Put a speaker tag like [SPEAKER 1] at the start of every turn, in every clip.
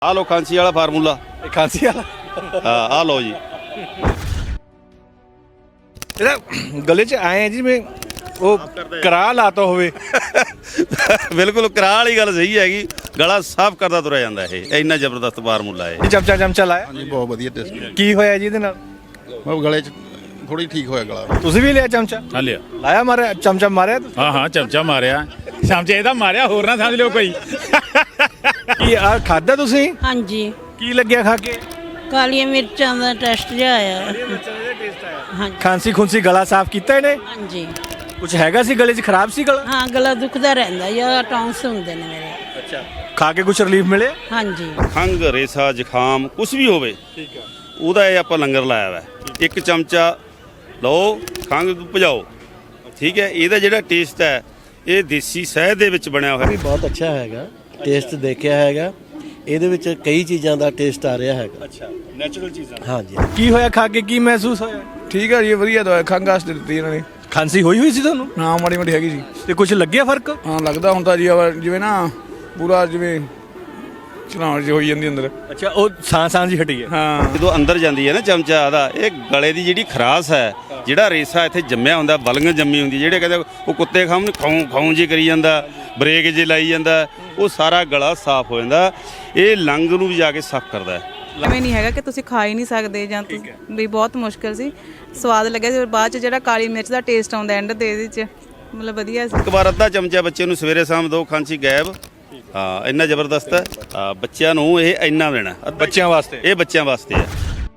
[SPEAKER 1] ਆ ਲੋ ਖਾਂਸੀ ਵਾਲਾ ਫਾਰਮੂਲਾ।
[SPEAKER 2] ਖਾਂਸੀ ਵਾਲਾ
[SPEAKER 1] ਹਾਂ ਆ ਲੋ ਜੀ।
[SPEAKER 2] ਇਹਦਾ ਗਲੇ 'ਚ ਆਏ ਜਿਵੇਂ ਉਹ ਕਰਾ ਲਾਤਾ ਹੋਵੇ।
[SPEAKER 1] ਬਿਲਕੁਲ ਕਰਾਹ ਵਾਲੀ ਗੱਲ ਸਹੀ ਹੈਗੀ। ਗਲਾ ਸਾਫ਼ ਕਰਦਾ ਤੁਰਿਆ ਜਾਂਦਾ ਇਹ ਇੰਨਾ ਜ਼ਬਰਦਸਤ ਫਾਰਮੂਲਾ ਹੈ।
[SPEAKER 2] ਚਮਚਾ ਲਾਇਆ
[SPEAKER 3] ਹਾਂਜੀ ਬਹੁਤ ਵਧੀਆ ਟੇਸਟ।
[SPEAKER 2] ਕੀ ਹੋਇਆ ਜੀ ਇਹਦੇ ਨਾਲ?
[SPEAKER 3] ਉਹ ਗਲੇ 'ਚ ਥੋੜੀ ਠੀਕ ਹੋਇਆ ਗਲਾ।
[SPEAKER 2] ਤੁਸੀਂ ਵੀ ਲਿਆ ਚਮਚਾ?
[SPEAKER 4] ਹਾਂ ਲਿਆ।
[SPEAKER 2] ਲਾਇਆ ਮਾਰਿਆ ਚਮਚਾ ਮਾਰਿਆ ਤੁਸੀਂ?
[SPEAKER 4] ਹਾਂ ਚਮਚਾ ਮਾਰਿਆ। ਚਮਚੇ ਇਹਦਾ ਮਾਰਿਆ, ਹੋਰ ਨਾ ਸਮਝ ਲਿਓ ਕੋਈ।
[SPEAKER 2] ਕੀ ਆ ਖਾਦਾ ਤੁਸੀਂ?
[SPEAKER 5] ਹਾਂਜੀ,
[SPEAKER 2] ਕੀ ਲੱਗਿਆ ਖਾ ਕੇ?
[SPEAKER 5] ਕਾਲੀਆਂ ਮਿਰਚਾਂ ਦਾ ਟੈਸਟ ਜਿਹਾ ਆਇਆ। ਹਾਂਜੀ
[SPEAKER 2] ਖਾਂਸੀ ਖੁੰਸੀ ਗਲਾ ਸਾਫ਼ ਕੀਤਾ ਇਹਨੇ?
[SPEAKER 5] ਹਾਂਜੀ।
[SPEAKER 2] ਕੁਝ ਹੈਗਾ ਸੀ ਗਲੇ 'ਚ? ਖਰਾਬ ਸੀ ਗਲਾ?
[SPEAKER 5] ਹਾਂ, ਗਲਾ ਦੁਖਦਾ ਰਹਿੰਦਾ ਜਾਂ ਟੌਂਸ ਹੁੰਦੇ ਨੇ ਮੇਰੇ।
[SPEAKER 2] ਅੱਛਾ, ਖਾ ਕੇ ਕੁਝ ਰਿਲੀਫ ਮਿਲਿਆ?
[SPEAKER 5] ਹਾਂਜੀ।
[SPEAKER 1] ਖੰਘ ਰੇਸਾ ਜ਼ੁਕਾਮ ਕੁਝ ਵੀ ਹੋਵੇ
[SPEAKER 2] ਠੀਕ ਹੈ,
[SPEAKER 1] ਉਹਦਾ ਇਹ ਆਪਾਂ ਲੰਗਰ ਲਾਇਆ ਵਾ। ਇੱਕ ਚਮਚਾ ਲਓ, ਖੰਘ ਭਜਾਓ। ਠੀਕ ਹੈ। ਇਹਦਾ ਜਿਹੜਾ ਟੇਸਟ ਹੈ ਇਹ ਦੇਸੀ ਸ਼ਹਿਦ ਦੇ ਵਿੱਚ ਬਣਿਆ ਹੋਇਆ।
[SPEAKER 6] ਵੀ ਬਹੁਤ ਅੱਛਾ ਹੈਗਾ, ਟੇਸਟ ਦੇਖਿਆ ਹੈਗਾ, ਇਹਦੇ ਵਿੱਚ ਕਈ ਚੀਜ਼ਾਂ ਦਾ ਟੇਸਟ ਆ ਰਿਹਾ ਹੈਗਾ।
[SPEAKER 2] ਅੱਛਾ, ਨੈਚੁਰਲ ਚੀਜ਼ਾਂ।
[SPEAKER 6] ਹਾਂਜੀ।
[SPEAKER 2] ਕੀ ਹੋਇਆ ਖਾ ਕੇ? ਕੀ ਮਹਿਸੂਸ ਹੋਇਆ?
[SPEAKER 7] ਠੀਕ ਹੈ ਜੀ, ਵਧੀਆ ਦਵਾਈ ਖੰਘ ਵਾਸਤੇ ਦਿੱਤੀ ਇਹਨਾਂ ਨੇ।
[SPEAKER 2] ਖਾਂਸੀ ਹੋਈ ਸੀ ਤੁਹਾਨੂੰ?
[SPEAKER 7] ਹਾਂ ਮਾੜੀ ਮੋਟੀ ਹੈਗੀ ਸੀ।
[SPEAKER 2] ਤੇ ਕੁਝ ਲੱਗਿਆ ਫਰਕ?
[SPEAKER 7] ਹਾਂ ਲੱਗਦਾ ਹੁੰਦਾ ਜੀ, ਜਿਵੇਂ ਨਾ ਪੂਰਾ ਜਿਵੇਂ ਚਲਾਉਣ ਜਿਹੀ ਹੋਈ ਜਾਂਦੀ ਅੰਦਰ।
[SPEAKER 2] ਅੱਛਾ, ਉਹ ਸਾਂ ਜੀ ਹਟੀ ਹੈ।
[SPEAKER 7] ਹਾਂ
[SPEAKER 1] ਜਦੋਂ ਅੰਦਰ ਜਾਂਦੀ ਹੈ ਨਾ ਚਮਚਾ ਦਾ, ਇਹ ਗਲੇ ਦੀ ਜਿਹੜੀ ਖਰਾਸ ਹੈ, ਜਿਹੜਾ ਰੇਸਾ ਇੱਥੇ ਜੰਮਿਆ ਹੁੰਦਾ, ਬਲਗਨ ਜੰਮੀ ਹੁੰਦੀ, ਜਿਹੜੇ ਕਹਿੰਦੇ ਉਹ ਕੁੱਤੇ ਖਾਉਂ ਖਾਉਂ ਜੇ ਕਰੀ ਜਾਂਦਾ, ਬ੍ਰੇਕ ਜੇ ਲਾਈ ਜਾਂਦਾ, ਉਹ ਸਾਰਾ ਗਲਾ ਸਾਫ਼ ਹੋ ਜਾਂਦਾ। ਇਹ ਲੰਗ ਨੂੰ ਵੀ ਜਾ ਕੇ ਸਾਫ਼ ਕਰਦਾ ਹੈ।
[SPEAKER 8] ਐਵੇਂ ਨਹੀਂ ਹੈਗਾ ਕਿ ਤੁਸੀਂ ਖਾ ਹੀ ਨਹੀਂ ਸਕਦੇ ਜਾਂ ਵੀ ਬਹੁਤ ਮੁਸ਼ਕਿਲ ਸੀ। ਸਵਾਦ ਲੱਗਿਆ ਸੀ। ਬਾਅਦ ਚ ਜਿਹੜਾ ਕਾਲੀ ਮਿਰਚ ਦਾ ਟੇਸਟ ਆਉਂਦਾ ਐਂਡ ਦੇ ਇਹਦੇ ਚ, ਮਤਲਬ ਵਧੀਆ ਸੀ।
[SPEAKER 1] ਇੱਕ ਵਾਰ ਅੱਧਾ ਚਮਚਾ ਬੱਚੇ ਨੂੰ ਸਵੇਰੇ ਸ਼ਾਮ ਦਿਓ, ਖਾਂਸੀ ਗਾਇਬ। ਹਾਂ ਇੰਨਾ ਜ਼ਬਰਦਸਤ ਹੈ। ਬੱਚਿਆਂ ਨੂੰ ਇਹ ਇੰਨਾ ਦੇਣਾ,
[SPEAKER 2] ਬੱਚਿਆਂ ਵਾਸਤੇ।
[SPEAKER 1] ਇਹ ਬੱਚਿਆਂ ਵਾਸਤੇ ਹੈ।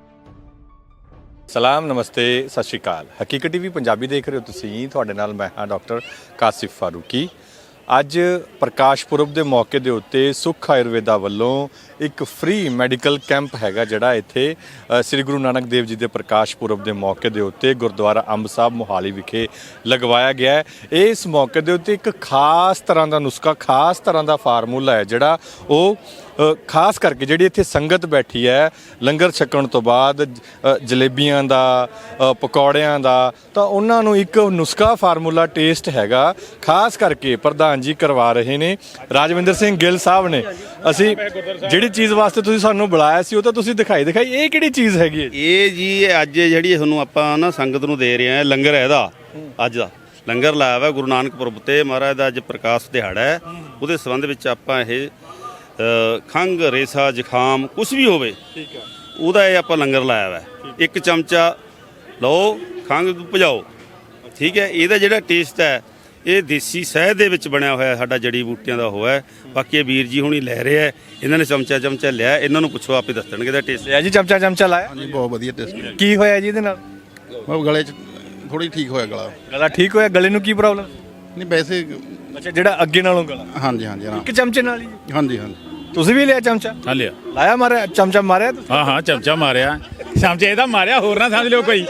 [SPEAKER 2] ਸਲਾਮ, ਨਮਸਤੇ, ਸਤਿ ਸ਼੍ਰੀ ਅਕਾਲ। ਹਕੀਕਤ ਟੀਵੀ ਪੰਜਾਬੀ ਦੇਖ ਰਹੇ ਹੋ ਤੁਸੀਂ। ਤੁਹਾਡੇ ਨਾਲ ਮੈਂ ਹਾਂ ਡਾਕਟਰ ਕਾਸਿਫ ਫਾਰੂਕੀ। ਅੱਜ ਪ੍ਰਕਾਸ਼ ਪੁਰਬ ਦੇ ਮੌਕੇ ਦੇ ਉੱਤੇ ਸੁਖ ਆਯੁਰਵੇਦਾ ਵੱਲੋਂ ਇੱਕ ਫ੍ਰੀ ਮੈਡੀਕਲ ਕੈਂਪ ਹੈਗਾ, ਜਿਹੜਾ ਇੱਥੇ ਸ੍ਰੀ ਗੁਰੂ ਨਾਨਕ ਦੇਵ ਜੀ ਦੇ ਪ੍ਰਕਾਸ਼ ਪੁਰਬ ਦੇ ਮੌਕੇ ਦੇ ਉੱਤੇ ਗੁਰਦੁਆਰਾ ਅੰਬ ਸਾਹਿਬ ਮੋਹਾਲੀ ਵਿਖੇ ਲਗਵਾਇਆ ਗਿਆ ਹੈ। ਇਸ ਮੌਕੇ ਦੇ ਉੱਤੇ ਇੱਕ ਖਾਸ ਤਰ੍ਹਾਂ ਦਾ ਨੁਸਖਾ, ਖਾਸ ਤਰ੍ਹਾਂ ਦਾ ਫਾਰਮੂਲਾ ਹੈ, ਜਿਹੜਾ ਉਹ ਖਾਸ ਕਰਕੇ ਜਿਹੜੀ ਇੱਥੇ ਸੰਗਤ ਬੈਠੀ ਹੈ ਲੰਗਰ ਛਕਣ ਤੋਂ ਬਾਅਦ ਜਲੇਬੀਆਂ ਦਾ, ਪਕੌੜਿਆਂ ਦਾ, ਤਾਂ ਉਹਨਾਂ ਨੂੰ ਇੱਕ ਨੁਸਖਾ ਫਾਰਮੂਲਾ ਟੇਸਟ ਹੈਗਾ। ਖਾਸ ਕਰਕੇ ਪ੍ਰਧਾਨ ਜੀ ਕਰਵਾ ਰਹੇ ਨੇ, ਰਾਜਵਿੰਦਰ ਸਿੰਘ ਗਿੱਲ ਸਾਹਿਬ ਨੇ। ਅਸੀਂ ਜਿਹੜੀ ਚੀਜ਼ ਵਾਸਤੇ ਤੁਸੀਂ ਸਾਨੂੰ ਬੁਲਾਇਆ ਸੀ ਉਹ ਤਾਂ ਤੁਸੀਂ ਦਿਖਾਈ। ਇਹ ਕਿਹੜੀ ਚੀਜ਼ ਹੈਗੀ ਹੈ?
[SPEAKER 1] ਇਹ ਜੀ ਅੱਜ ਜਿਹੜੀ ਤੁਹਾਨੂੰ ਆਪਾਂ ਨਾ ਸੰਗਤ ਨੂੰ ਦੇ ਰਹੇ ਹਾਂ ਲੰਗਰ, ਇਹਦਾ ਅੱਜ ਦਾ ਲੰਗਰ ਲਾਇਆ ਵਾ ਗੁਰੂ ਨਾਨਕ ਪੁਰਬ ਤੇ। ਮਹਾਰਾਜ ਦਾ ਅੱਜ ਪ੍ਰਕਾਸ਼ ਦਿਹਾੜਾ ਹੈ, ਉਹਦੇ ਸੰਬੰਧ ਵਿੱਚ ਆਪਾਂ ਇਹ ਖੰਘ ਰੇਸਾ ਜ਼ੁਕਾਮ ਕੁਝ ਵੀ ਹੋਵੇ, ਠੀਕ ਹੈ, ਉਹਦਾ ਇਹ ਆਪਾਂ ਲੰਗਰ ਲਾਇਆ ਵਾ। ਇੱਕ ਚਮਚਾ ਲਓ, ਖੰਘ ਭਜਾਓ। ਠੀਕ ਹੈ। ਇਹਦਾ ਜਿਹੜਾ ਟੇਸਟ ਹੈ ਇਹ ਦੇਸੀ ਸ਼ਹਿਦ ਦੇ ਵਿੱਚ ਬਣਿਆ ਹੋਇਆ, ਸਾਡਾ ਜੜੀ ਬੂਟੀਆਂ ਦਾ ਹੋਇਆ। ਬਾਕੀ ਇਹ ਵੀਰ ਜੀ ਹੁਣੀ ਲੈ ਰਹੇ ਆ, ਇਹਨਾਂ ਨੇ ਚਮਚਾ ਲਿਆ, ਇਹਨਾਂ ਨੂੰ ਪੁੱਛੋ ਆਪੇ ਦੱਸਣਗੇ ਇਹਦਾ ਟੇਸਟ।
[SPEAKER 2] ਲਿਆ ਜੀ ਚਮਚਾ ਲਾਇਆ?
[SPEAKER 3] ਹਾਂਜੀ ਬਹੁਤ ਵਧੀਆ ਟੇਸਟ।
[SPEAKER 2] ਕੀ ਹੋਇਆ ਜੀ ਇਹਦੇ ਨਾਲ?
[SPEAKER 3] ਉਹ ਗਲੇ 'ਚ ਥੋੜੀ ਠੀਕ ਹੋਇਆ ਗਲਾ।
[SPEAKER 2] ਗਲਾ ਠੀਕ ਹੋਇਆ? ਗਲੇ ਨੂੰ ਕੀ ਪ੍ਰੋਬਲਮ?
[SPEAKER 3] ਨਹੀਂ ਵੈਸੇ
[SPEAKER 2] ਅੱਛਾ, ਜਿਹੜਾ ਅੱਗੇ ਨਾਲੋਂ ਗਲਾ।
[SPEAKER 3] ਹਾਂਜੀ ਹਾਂਜੀ
[SPEAKER 2] ਇੱਕ ਚਮਚੇ ਨਾਲ ਹੀ?
[SPEAKER 3] ਹਾਂਜੀ ਹਾਂਜੀ।
[SPEAKER 2] ਤੁਸੀਂ ਵੀ ਲਿਆ ਚਮਚਾ?
[SPEAKER 4] ਹਾਂ ਲਿਆ।
[SPEAKER 2] ਲਾਇਆ ਮਾਰਿਆ ਚਮਚਾ ਮਾਰਿਆ ਤੁਸੀਂ?
[SPEAKER 4] ਹਾਂ ਚਮਚਾ ਮਾਰਿਆ। ਚਮਚੇ ਇਹਦਾ ਮਾਰਿਆ, ਹੋਰ ਨਾ ਸਮਝ ਲਿਓ ਕੋਈ।